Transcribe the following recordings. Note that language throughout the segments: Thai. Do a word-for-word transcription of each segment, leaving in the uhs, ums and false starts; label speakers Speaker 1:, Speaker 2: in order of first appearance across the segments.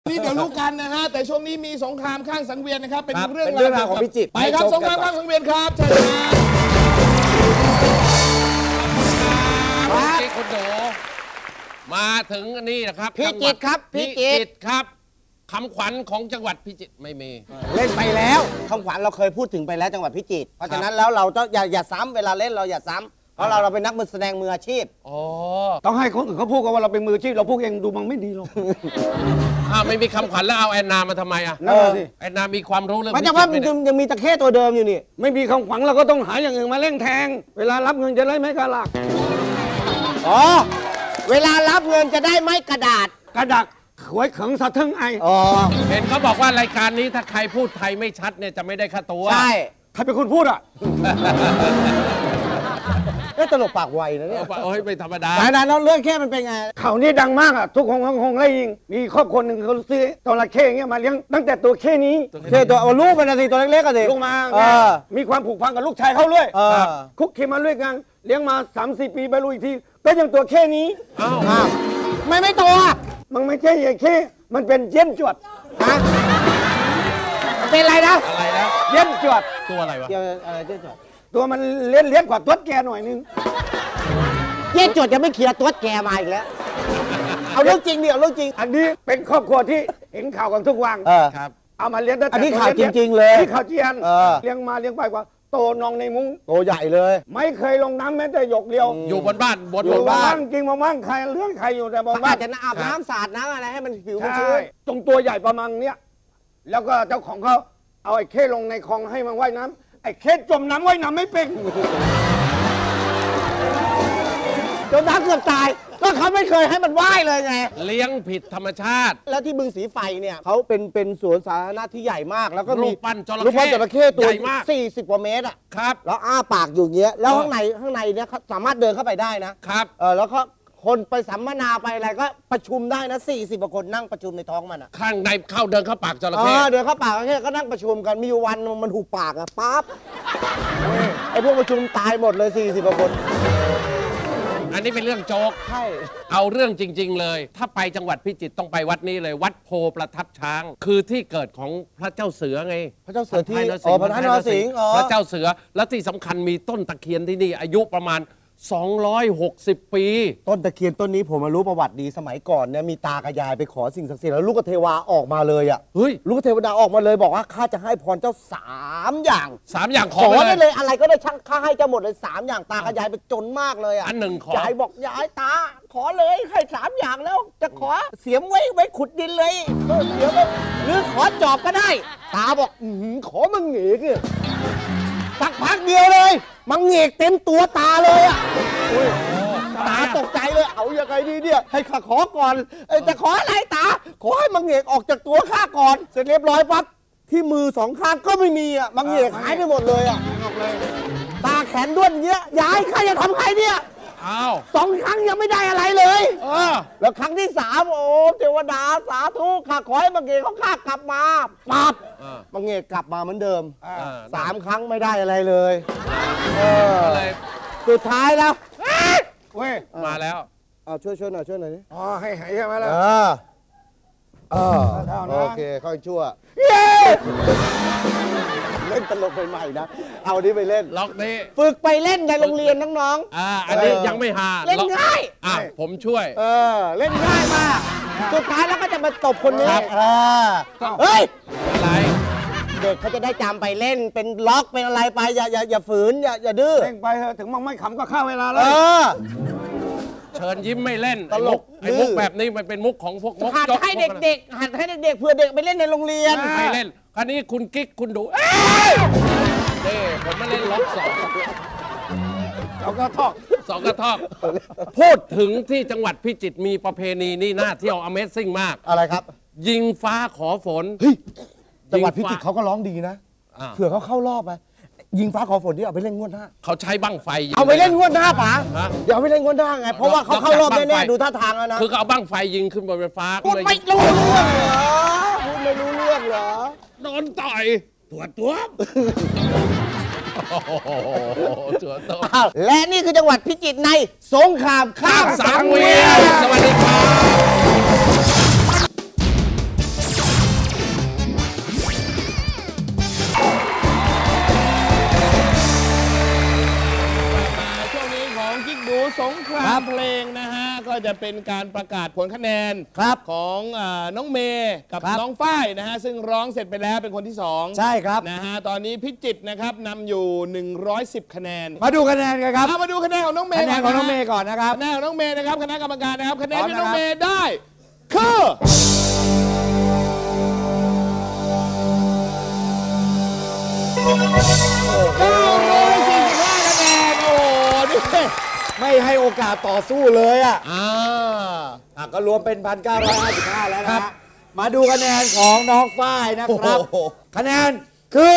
Speaker 1: นี่เดี๋ยวรู้กันนะฮะแต่ช่วงนี้มีสงครามข้างสังเวียนนะครับเป็นเรื่อง
Speaker 2: ราวของพิจิตร
Speaker 1: ไปครับสงครามข้างสังเวียนครับเชิญ
Speaker 3: ครับคุณโดมาถึงนี่นะครับ
Speaker 2: พิจิตรครับพิจิตร
Speaker 3: ครับคำขวัญของจังหวัดพิจิตรไม่มี
Speaker 2: เล่นไปแล้วคำขวัญเราเคยพูดถึงไปแล้วจังหวัดพิจิตรเพราะฉะนั้นแล้วเราต้องอย่าอย่าซ้ำเวลาเล่นเราอย่าซ้ำเพราะเราเราเป็นนักมือแสดงมืออาชีพ
Speaker 3: อ๋อ
Speaker 4: ต้องให้คนอื่นเขาพูดกันว่าเราเป็นมืออาชีพเราพูดเองดูมันไม่ดีหรอก
Speaker 3: อ้าวไม่มีคำขวัญแล้วเอาแอนนามาทำไมอ่ะ
Speaker 4: นั่นแหละสิ
Speaker 3: แอนนามีความรู้เรื่อง
Speaker 2: มันจะว่ามันยังมีตะเข้ตัวเดิมอยู่นี่
Speaker 4: ไม่มีคำขวัญเราก็ต้องหาอย่างอื่นมาเร่งแทงเวลารับเงินจะได้ไม่กระลัก
Speaker 2: อ๋อเวลารับเงินจะได้ไม่กระดาษ
Speaker 4: กระดักหวยเขิงสะทึ่งไอ
Speaker 2: อ๋อ
Speaker 3: เห็นเขาบอกว่ารายการนี้ถ้าใครพูดไทยไม่ชัดเนี่ยจะไม่ได้ค่าตัว
Speaker 2: ใช่
Speaker 4: ใครเป็นคนพูดอ่ะ
Speaker 2: ก็ตลกปากไวนะเนี่ย
Speaker 3: โอ้ยไม่ธรรมดา
Speaker 2: ไหนๆแล้วเรื่องแค่มันเป็นไง
Speaker 4: ข่าวนี้ดังมากอ่ะทุกคนคงได้ยินมีครอบครัวหนึ่งเขาซื้อจระเข้เงี้ยมาเลี้ยงตั้งแต่ตัวเข้นี้
Speaker 2: เข้ตัวเอาลูกมันสิตัวเล็กๆกันสิ
Speaker 4: ลูกมามีความผูกพันกับลูกชายเขาด้วยคุกคีมาด้วยกันเลี้ยงมาสามสี่ปีไปรู้อีกทีก็ยังตัวเข้นี้
Speaker 2: อ้าวไม่ไม่โตอ่ะ
Speaker 4: มันไม่ใช่อย่างเข้มันเป็นเย็นจวด
Speaker 2: ฮะเป็นอะไรนะ
Speaker 3: อะไรนะ
Speaker 4: เย็นจวด
Speaker 3: ตัวอะไรวะ
Speaker 2: อะไรเย็นจวด
Speaker 4: ตัวมันเลี้ยนเลี้ยนกว่าตัวแกหน่อยนึง
Speaker 2: เย็นจวดยังไม่เคลียร์ตัวแกมาอีกแล้วเอาเรื่องจริงดิเอาเรื่องจริง
Speaker 4: อันนี้เป็นครอบครัวที่เห็นข่าวกันทุกวัน
Speaker 3: ครับ
Speaker 4: เอามาเลี้ยงได้
Speaker 2: อันนี้ข่าวจริงๆเลย
Speaker 4: นี่ข่าวเจียนเลี้ยงมาเลี้ยงไปกว่าโตนองในมุ้ง
Speaker 2: โตใหญ่เลย
Speaker 4: ไม่เคยลงน้ำแม้แต่หยกเดียว
Speaker 3: อยู่บนบ้านบน
Speaker 4: บ้านจริงบ้านใครเรื่องใครอยู่แต่บนบ้าน
Speaker 2: จะอาบน้ำสาดน้ำอะไรให้มันผิวมันชื้น
Speaker 4: ตรงตัวใหญ่ประมาณเนี้ยแล้วก็เจ้าของเขาเอาไอ้เข้ลงในคลองให้มันว่ายน้ำไอ้เข้จมน้ำว่ายน้ำไม่เป็น
Speaker 2: จมน้ำเกือบตายก็เขาไม่เคยให้มันว่ายเลยไง
Speaker 3: เลี้ยงผิดธรรมชาติ
Speaker 2: แล้วที่บึงสีไฟเนี่ยเขาเป็นเป็นสวนสาธารณะที่ใหญ่มากแล้วก็มี
Speaker 3: รูปปั้นจระเข้
Speaker 2: รูปปั้นจระเข้ตัวสี่สิบกว่าเมตรอ่ะ
Speaker 3: ครับ
Speaker 2: แล้วอ้าปากอยู่เงี้ยแล้วข้างในข้างในเนี่ยเขาสามารถเดินเข้าไปได้นะครับเออแล้วก็คนไปสัมมนาไปอะไรก็ประชุมได้นะสี่สิบกว่าคนนั่งประชุมในท้องมันอ่ะ
Speaker 3: ข้างในเข้าเดินเข้าปากจระเข้
Speaker 2: เดินเข้าปากจระเข้ก็นั่งประชุมกันมีวันมันหูปากอ่ะปั๊บไอ้พวกประชุมตายหมดเลยสี่สิบกว่าคน
Speaker 3: อันนี้เป็นเรื่องโจ๊ก
Speaker 2: ใช่
Speaker 3: เอาเรื่องจริงๆเลยถ้าไปจังหวัดพิจิตรต้องไปวัดนี้เลยวัดโพประทับช้างคือที่เกิดของพระเจ้าเสือไง
Speaker 2: พระเจ้าเสือที่อ๋อพระท่านนรสิงห์
Speaker 3: พระเจ้าเสือและที่สำคัญมีต้นตะเคียนที่นี่อายุประมาณสองร้อยหกสิบปี
Speaker 2: ต้นตะเคียนต้นนี้ผมมารู้ประวัติดีสมัยก่อนเนี่ยมีตากับยายไปขอสิ่งศักดิ์สิทธิ์แล้วลูกเทวาออกมาเลยอ่ะ
Speaker 3: เฮ้ย
Speaker 2: ลูกเทวดาออกมาเลยบอกว่าข้าจะให้พรเจ้าสามอย่าง
Speaker 3: สามอย่างขอ
Speaker 2: ได้เลยอะไรก็ได้ช่างข้าให้เจ้าหมดเลยสามอย่างตากับยายไปจนมากเลยอ่ะ
Speaker 3: อันหนึ่งขอย
Speaker 2: ายบอกยายตาขอเลยให้สามอย่างแล้วจะขอเสียมไว้ไว้ขุดดินเลยเสียมหรือขอจอบก็ได้ตาบอกอือขอมึงเหงียกสักพักเดียวเลยมังเงกเต็มตัวตาเลยอ่ะตาตกใจเลยเอาอย่างไรดีเนี่ยให้ข้าขอก่อนจะขออะไรตาขอให้มังเงกออกจากตัวข้าก่อนเสร็จเรียบร้อยปั๊บที่มือสองข้างก็ไม่มีอ่ะมังเงกหายไปหมดเลยอ่ะตาแขนด้วนเงี้ยยายข้าจะทำใครเนี่ย
Speaker 3: อ้าว
Speaker 2: สองครั้งยังไม่ได้อะไรเลยเออแล้วครั้งที่สามโอ้เทวดาสาธุข้าขอให้มังเงกเขาข้ากลับมาปั๊บมังเงกกลับมาเหมือนเดิมสามครั้งไม่ได้อะไรเลยเออสุดท้ายแล้ว
Speaker 4: เว้ย
Speaker 3: มาแล้ว
Speaker 2: เอาช่วยช่วยหน่อยช่วยหน่อยนี่
Speaker 4: อ๋อให้หายใช่ไหมล่ะ
Speaker 2: เออเออโอเคค่อยชั่วเล่นตลกใหม่ๆนะเอานี้ไปเล่น
Speaker 3: ล็อกนี้
Speaker 2: ฝึกไปเล่นในโรงเรียนน้อง
Speaker 3: ๆอ่าอันนี้ยังไม่หา
Speaker 2: เล่นง่าย
Speaker 3: อ่ะผมช่วย
Speaker 2: เออเล่นง่ายมากสุดท้ายแล้วก็จะมาตบคนนี้เฮ้ย
Speaker 3: อะไร
Speaker 2: เด็กเขาจะได้จำไปเล่นเป็นล็อกเป็นอะไรไปอย่าอย่าอย่าฝืนอย่าอย่าดื้อ
Speaker 4: เล่นไปเถอะถึงมันไม่ขำก็เข้าเวลาแล้ว
Speaker 3: เชิญยิ้มไม่เล่นตลกไอ้มุกแบบนี้มันเป็นมุกของพวกมุก
Speaker 2: หัดให้เด็กๆหัดให้เด็กๆเพื่อเด็กไปเล่นในโรงเรียน
Speaker 3: ไม่เล่นคราวนี้คุณกิ๊กคุณดูเด้ผมมาเล่นล็อกสอง
Speaker 4: สองกระทอก
Speaker 3: สองกระทอกพูดถึงที่จังหวัดพิจิตรมีประเพณีนี่น่าเที่ยว Amazing มาก
Speaker 2: อะไรครับ
Speaker 3: ยิงฟ้าขอฝน
Speaker 2: จังหวัดพิจิตรเขาก็ร้องดีนะเผื่อเขาเข้ารอบไปยิงฟ้าขอฝนที่เอาไปเล่นงวดหน้า
Speaker 3: เขาใช้บั้งไฟ
Speaker 2: เอาไปเล่นงวดหน้าป๋าเดี๋ยวเอาไปเล่นงวดหน้าไงเพราะว่าเขาเข้ารอบแน่ๆดูท่าทางแล้วนะ
Speaker 3: คือเขาเอาบั้งไฟยิงขึ้นบนฟ้า
Speaker 2: พูดไม่รู้เรื่องเหรอพูดไม่รู้เรื่องเหรอ
Speaker 3: โดนต่อย
Speaker 2: ตัวตัว
Speaker 3: ตัวตัว
Speaker 2: และนี่คือจังหวัดพิจิตรในสงครามข้าม
Speaker 3: สังเวียนสวัสดีครับ
Speaker 1: สงครามเพลงนะฮะก็จะเป็นการประกาศผลคะแนนครับของอ่าน้องเมย์กับน้องฝ้ายนะฮะซึ่งร้องเสร็จไปแล้วเป็นคนที่สองใช่ครับนะฮะตอนนี้พิจิตรนะครับนำอยู่หนึ่งร้อยสิบคะแนนมาดูคะแนนกันครับมาดูคะแนนของน้องเมย์คะแนนของน้องเมย์ก่อนนะครับคะแนนของน้องเมย์นะครับคณะกรรมการนะครับคะแนนที่น้องเมย์ได้คือเก้าร้อยสี่สิบห้าคะแนนโอ้ดิไม่ให้โอกาสต่อสู้เลยอ่ะอ่าก็รวมเป็น หนึ่งพันเก้าร้อยห้าสิบห้า แล้วนะมาดูคะแนนของน้องฝ้ายนะครับคะแนนคือ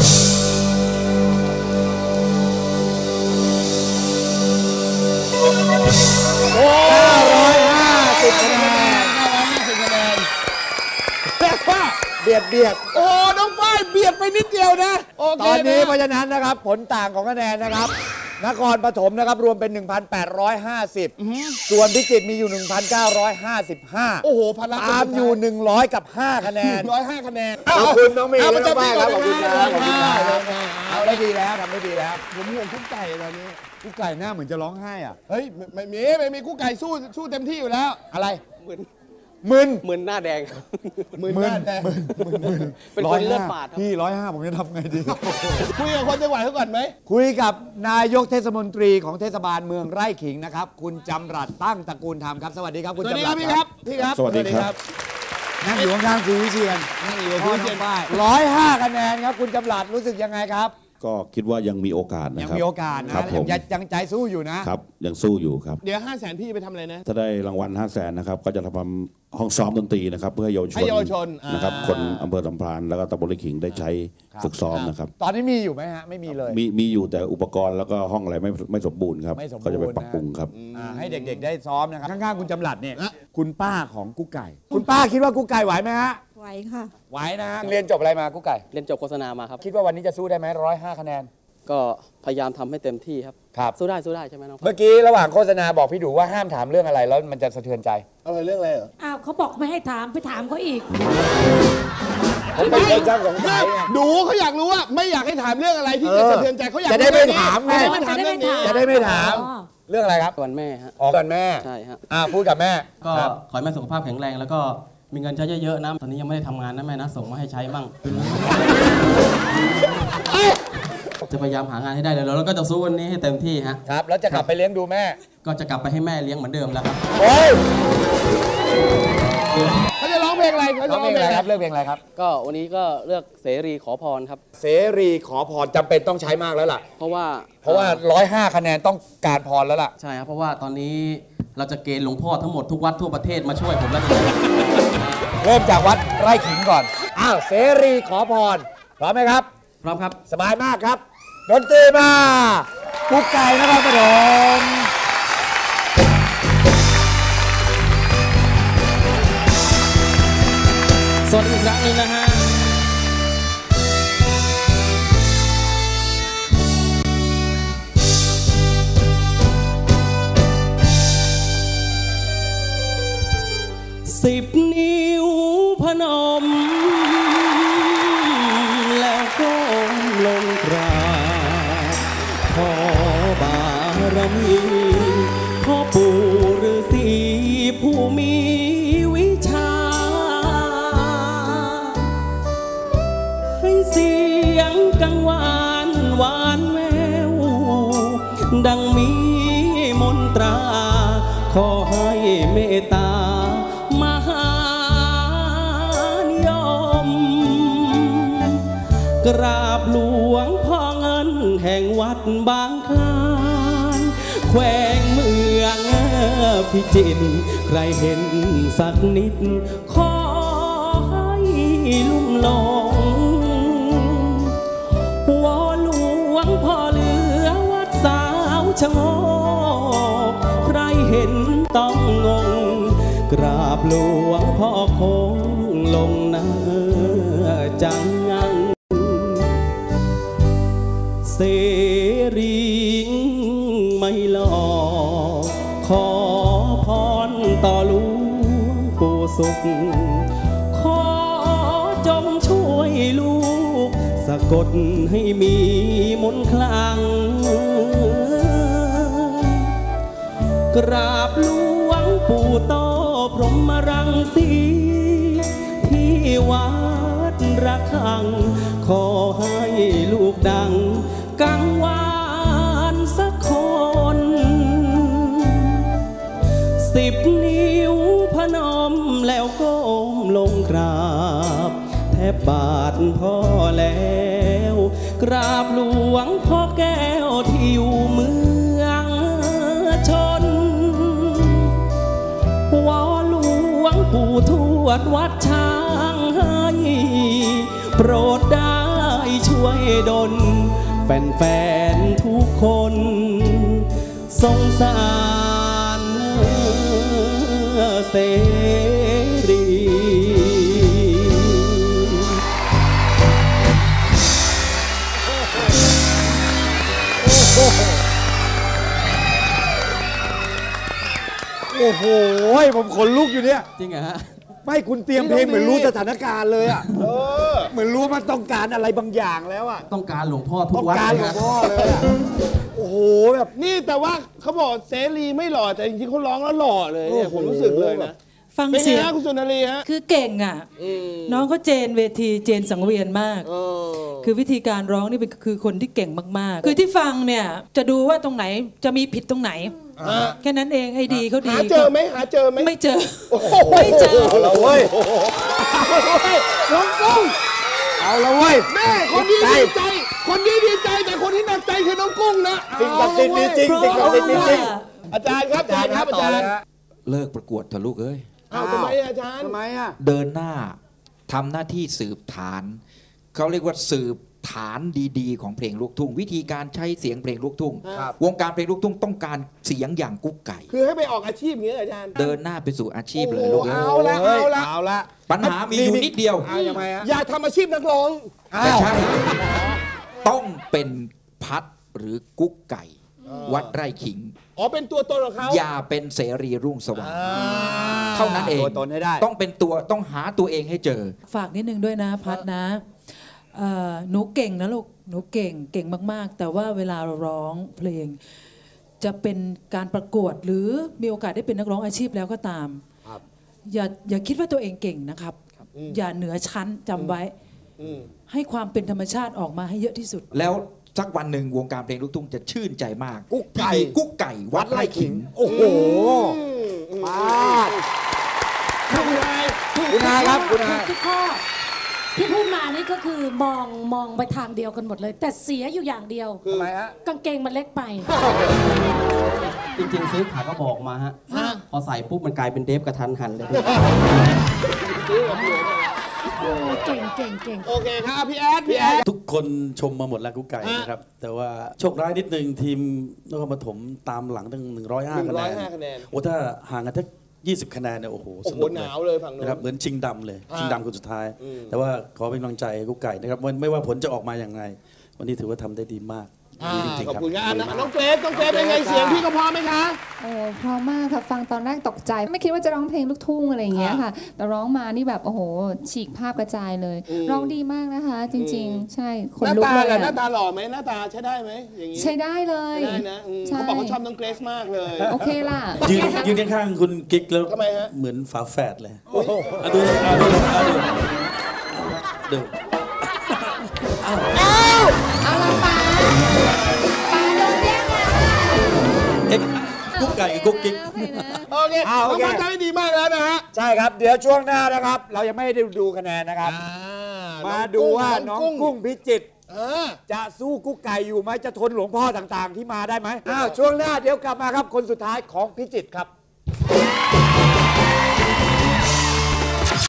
Speaker 1: เก้าร้อยห้าสิบคะแนนเก้าร้อยห้าสิบคะแนนแต่ว่าเบียดเบียดโอ้น้องฝ้ายเบียดไปนิดเดียวนะตอนนี้เพราะฉะนั้นนะครับผลต่างของคะแนนนะครับนครปฐมนะครับรวมเป็น หนึ่งพันแปดร้อยห้าสิบ ส่วนพิจิตรมีอยู่ หนึ่งพันเก้าร้อยห้าสิบห้า โอ้โหพลังตามอยู่ หนึ่งร้อย กับ ห้า คะแนนหนึ่งร้อยห้าคะแนนขอบคุณน้องเมย์และน้องฝ้ายครับขอบคุณครับขอบคุณครับเอาได้ดีแล้วทำได้ดีแล้วผมห่วงกุ๊กไก่ตอนนี้กุ๊กไก่หน้าเหมือนจะร้องไห้อ่ะเฮ้ยไม่มีไม่มีกุ๊กไก่สู้สู้เต็มที่อยู่แล้วอะไรมึนมึนหน้าแดงมึนหน้าแดงเป็นคนเลือดฝาดพี่ร้อยห้าผมจะทำไงดีคุยกับคนจังหวัดเขาก่อนไหมคุยกับนายกเทศมนตรีของเทศบาลเมืองไร่ขิงนะครับคุณจำรัดตั้งตระกูลธรรมครับสวัสดีครับคุณจำรัดพี่ครับพี่ครับสวัสดีครับนั่งอยู่ข้างๆคุณวิเชียรนั่งอยู่กับคุณวิเชียรร้อยห้าคะแนนครับคุณจำรัดรู้สึกยังไงครับ
Speaker 5: ก็คิดว่ายังมีโอกาสนะครับ
Speaker 1: ยังมีโอกาสนะยังใจสู้อยู่นะครับ
Speaker 5: ยังสู้อยู่ครับ
Speaker 1: เดี๋ยวห้าแสนพี่ไปทำอะไรนะ
Speaker 5: ถ้าได้รางวัลห้าแสนนะครับก็จะทำห้องซ้อมดนตรีนะครับเพื่อเยาวชนนะครับคนอำเภอลำพานแล้วก็ตำบลไร่ขิงได้ใช้ฝึกซ้อมนะครับ
Speaker 1: ตอนนี้มีอยู่ไหมฮะไม่มีเลย
Speaker 5: มีมีอยู่แต่อุปกรณ์แล้วก็ห้องอะไรไม่ไม่สมบูรณ์ครับก็จะไปปรับปรุงครับ
Speaker 1: ให้เด็กๆได้ซ้อมนะครับข้างๆคุณจำรัดเนี่ยคุณป้าของกุ๊กไก่คุณป้าคิดว่ากุ๊กไก่ไหวไหมฮะ
Speaker 6: ไหวค่ะ
Speaker 1: ไหวนะเรียนจบอะไรมากุ๊กไก่
Speaker 7: เรียนจบโฆษณามาครับ
Speaker 1: คิดว่าวันนี้จะสู้ได้ไหมร้อยห้าคะแนน
Speaker 7: ก็พยายามทำให้เต็มที่ครับ
Speaker 1: ครับ
Speaker 7: สู้ได้สู้ได้ใช่ไหมน้อง
Speaker 1: เมื่อกี้ระหว่างโฆษณาบอกพี่ดูว่าห้ามถามเรื่องอะไรแล้วมันจะสะเทือนใจอะไรเรื่องอะไรเหรอ
Speaker 6: อ้าวเขาบอกไม่ให้ถามไปถามเขาอีก
Speaker 1: ผมเป็นเจ้าของสายดูเขาอยากรู้ว่าไม่อยากให้ถามเรื่องอะไรที่จะสะเทือนใจเขาอยากจะได้ไม่ถามไงจะได้ไม่ถามเรื่องนี้จะได้ไม่ถามเรื่องอะไรครับ
Speaker 7: วันแม่ฮะ
Speaker 1: อ๋อวันแม่
Speaker 7: ใช่ฮะ
Speaker 1: อ่าพูดกับแม่
Speaker 7: ก็ขอให้แม่สุขภาพแข็งแรงแล้วก็มีเงินใช้เยอะๆนะตอนนี้ยังไม่ได้ทำงานนะแม่นะส่งมาให้ใช้บ้างจะพยายามหางานให้ได้เลยแล้วก็จะสู้วันนี้ให้เต็มที่ฮะ
Speaker 1: ครับแล้วจะกลับไปเลี้ยงดูแม่
Speaker 7: ก็จะกลับไปให้แม่เลี้ยงเหมือนเดิมแล้วครับ
Speaker 1: โอ้ยเขาจะร้องเพลงอะไรเขาจะร้องเพลงอะไรครับเลือกเพลงอะไรครับ
Speaker 7: ก็วันนี้ก็เลือกเสรีขอพรครับ
Speaker 1: เสรีขอพรจำเป็นต้องใช้มากแล้วล่ะ
Speaker 7: เพราะว่า
Speaker 1: เพราะว่าร้อยห้าคะแนนต้องการพรแล้วล่ะ
Speaker 7: ใช่ครับเพราะว่าตอนนี้เราจะเกณฑ์หลวงพ่อทั้งหมดทุกวัดทั่วประเทศมาช่วยผมแล้ว
Speaker 1: เริ่มจากวัดไร่ขิงก่อนอ้าวเสรีขอพรพร้อมไหมครับ
Speaker 7: พร้อมครับ
Speaker 1: สบายมากครับดนตรีมากุ๊กไก่นะครับปฐม
Speaker 7: สวัสดีอีกครั้งนึงนะฮะสิบนิ้วพนมแล้วก็ลงกราบขอบารมีพ่อปู่ฤาษีผู้มีวิชาให้เสียงกังวานหวานแววดังมีมนตราขอให้เมตตามหานิยมกราบหลวงพ่อเงินแห่งวัดบางคลานแขวงเมืองพิจิตรใครเห็นสักนิดขอให้ลุ่มหลงวอนหลวงพ่อเหลือวัดสาวชะโงกใครเห็นต้องงงกราบหลวงพ่อคงลงหน้าจังงังเสรีไม่หลอกขอพรต่อหลวงปู่สุขขอจงช่วยลูกสะกดให้มีมนต์คลังกราบหลวงปู่โตพรหมรังสีที่วัดระฆังขอให้ลูกดังกังวานสักคนสิบนิ้วพนมแล้วก้มลงกราบแทบบาทพ่อแล้วกราบหลวงพ่อแก้วที่อยู่เมืองชนวอหลวงปู่ทวดวัดช้างให้โปรดได้ช่วยดลแฟนๆทุกคนสงสารเสรี
Speaker 1: โอ้โหผมขนลุกอยู่เนี่ย
Speaker 7: จริงเหรอฮะ
Speaker 1: ไม่คุณเตรียมเพลงเหมือนรู้สถานการณ์เลยอ่ะเหมือนรู้ว่ามันต้องการอะไรบางอย่างแล้วอ่ะ
Speaker 7: ต้องการหลวงพ่อทุ
Speaker 1: ต้อก ง
Speaker 7: วัด
Speaker 1: การหล
Speaker 7: เล
Speaker 1: วย ง
Speaker 7: ฮะ
Speaker 1: พ่อเลยอ่ะโอ้โหแบบ
Speaker 2: นี่แต่ว่าเขาบอกเสรีไม่หล่อแต่จริงๆเขาร้องแล้วหล่อเลยเนี่ยผมรู้สึกเลยนะ
Speaker 6: ฟัง
Speaker 2: เป็นไง
Speaker 6: เสียง
Speaker 2: ฮะคุณสุนารีฮะ
Speaker 6: คือเก่งอ่ะ น้องเขาเจนเวทีเจนสังเวียนมาก
Speaker 2: เออ
Speaker 6: คือวิธีการร้องนี่เป็นคือคนที่เก่งมากๆ คือที่ฟังเนี่ยจะดูว่าตรงไหนจะมีผิดตรงไหน แค่นั้นเองให้ดีเขาดี
Speaker 2: หาเจอไหมหาเจอไหม
Speaker 6: ไม่เจอ ไม่เจอ
Speaker 1: เอาละเว้ย
Speaker 2: น้องกุ้ง
Speaker 1: เอาละเว้ย
Speaker 2: แม่คนนี้ดีใจ คนนี้ดีใจแต่คนที่หนักใจคือน้องกุ้งนะ
Speaker 1: สิ่งศักดิ์สิทธิ์มีจริงสิ่งศักดิ์สิทธิ์มีจริง
Speaker 2: อาจารย์ครับอาจารย์ครับอาจารย์
Speaker 8: เลิกประกวดเถอะลูกเอ้ย
Speaker 2: อ้าวทำไมอาจารย์
Speaker 1: ทำไมอ่ะ
Speaker 8: เดินหน้าทำหน้าที่สืบฐาน เขาเรียกว่าสืบฐานดีๆ ของเพลงลูกทุ่ง วิธีการใช้เสียงเพลงลูกทุ่ง
Speaker 2: ครับ
Speaker 8: วงการเพลงลูกทุ่งต้องการเสียงอย่างกุ๊กไก่
Speaker 2: คือให้ไปออกอาชีพอย่างนี้เหรออาจารย์
Speaker 8: เดินหน้าไปสู่อาชีพเลยลูกเอ้ย
Speaker 2: เอาละเอาละ
Speaker 1: เอาละ
Speaker 8: ปัญหามีอยู่นิดเดียว
Speaker 1: เอายังไงฮะ
Speaker 2: อย่าทำอาชีพนักร้อง
Speaker 8: ไม่ใช่ ต้องเป็นพัดหรือกุ๊กไก่ วัดไร่ขิง
Speaker 2: อ๋อเป็นตัวตนของเขา
Speaker 8: อย่าเป็นเสรีรุ่งสว่างเท่านั้นเอง
Speaker 1: ตัวตนให้ได้
Speaker 8: ต้องเป็นตัวต้องหาตัวเองให้เจอ
Speaker 6: ฝากนิดนึงด้วยนะพัดนะเอ่อหนูเก่งนะลูกหนูเก่งเก่งมากๆ แต่ว่าเวลาเราร้องเพลง จะเป็นการประกวดหรือมีโอกาสได้เป็นนักร้องอาชีพแล้วก็ตามอย่าอย่าคิดว่าตัวเองเก่งนะครับ อย่าเหนือชั้นจำไว้ให้ความเป็นธรรมชาติออกมาให้เยอะที่สุด
Speaker 8: แล้วสักวันหนึ่งวงการเพลงลูกทุ่งจะชื่นใจมาก
Speaker 1: กุ๊กไก่
Speaker 8: ที่มีกุ๊กไก่วัดไร่ขิง
Speaker 1: โอ้โหมาด
Speaker 2: คุณนาย
Speaker 1: คุณอาครับคุณอา
Speaker 9: ทุกข้อที่พูดมานี่ก็คือมองมองไปทางเดียวกันหมดเลย แต่เสียอยู่อย่างเดียว
Speaker 1: ทำไมฮะ
Speaker 9: กางเกงมันเล็กไป
Speaker 7: จริงๆซื้อขากระบอกมาฮะ พอใส่ปุ๊บมันกลายเป็นเดฟกระทันหันเลย
Speaker 9: โอ้เก่งเก่งเก่ง
Speaker 2: โอเคครับพี่แอดพี่แอด
Speaker 10: ทุกคนชมมาหมดแล้วกุ๊กไก่นะครับ แต่ว่าโชคร้ายนิดนึงทีมนครปฐมตามหลังตั้งหนึ่งร้อยห้า
Speaker 2: หนึ่
Speaker 10: คะ
Speaker 2: งร้
Speaker 10: แน
Speaker 2: อย
Speaker 10: น
Speaker 2: ห้าคะแนน
Speaker 10: โอ้ถ้าห่างกันทักยี่สิบคะแนนเนี่ยโอ้โห
Speaker 2: โอ้
Speaker 10: ส
Speaker 2: โห
Speaker 10: นุก
Speaker 2: ห
Speaker 10: เลย
Speaker 2: นาวเลยฝั่งนู้น
Speaker 10: นะครับเหมือนชิงดำเลย
Speaker 2: อ่า
Speaker 10: ชิงดำคนสุดท้าย
Speaker 2: อืม
Speaker 10: แต่ว่าขอเป็นกำลังใจให้กุ๊กไก่นะครับไม่ไม่ว่าผลจะออกมาอย่างไร วันนี้ถือว่าทำได้ดีมาก
Speaker 2: อ่า
Speaker 10: ดีจริง
Speaker 2: ขอบ
Speaker 10: ๆครับ
Speaker 2: คุณครับน้องเกรซน้องเกรซเป็นไงเสียงพี่ก็พอไหมคะ
Speaker 11: โอ้เพราะมากค่ะฟังตอนแรกตกใจ ไม่คิดว่าจะร้องเพลงลูกทุ่งอะไรอย่างเงี้ยค่ะ แต่ร้องมานี่แบบโอ้โหฉีกภาพกระจายเลย
Speaker 2: อืม
Speaker 11: ร้องดีมากนะคะ จริง ๆ ใช่ข
Speaker 2: ห
Speaker 11: น
Speaker 2: น้า
Speaker 11: ลุก
Speaker 2: ตา
Speaker 11: เลย
Speaker 2: ล่ะหน้า
Speaker 11: อะ
Speaker 2: ตาหล่อไหมหน้าตาใช้ได้ไหมอย่างนี้
Speaker 11: ใช้ได้เลย
Speaker 2: ใช้ได้นะอืม
Speaker 11: ใช่
Speaker 2: เขาบอกเขาชอบน้องเกรซมากเลย
Speaker 11: โอเคล่ะ
Speaker 10: ยืนยืนข้างๆคุณกิ๊กแล้ว
Speaker 2: ทำไมฮะ
Speaker 10: เหมือนฝาแฝดเลยอ่ะดูอ่ะดูอ่ะดูดู
Speaker 11: เอาละป้าป้าโดนแย่งแล้ว
Speaker 10: เอ็กกุ๊กไก่กับกุ๊กกิ๊ก
Speaker 2: โอเค
Speaker 1: อ่าโอ
Speaker 2: น้อง
Speaker 1: เค
Speaker 2: พัดทำได้ดีมากแล้วนะฮะ
Speaker 1: ใช่ครับ เดี๋ยวช่วงหน้านะครับ เรายังไม่ได้ดูคะแนนนะครับ
Speaker 2: อ่
Speaker 1: มาดูว่าน้องกุ้งพิจิตร
Speaker 2: เออ
Speaker 1: จะสู้กุ๊กไก่อยู่ไหมจะทนหลวงพ่อต่างๆ ที่มาได้ไหมอ้าวช่วงหน้าเดี๋ยวกลับมาครับคนสุดท้ายของพิจิตรครับ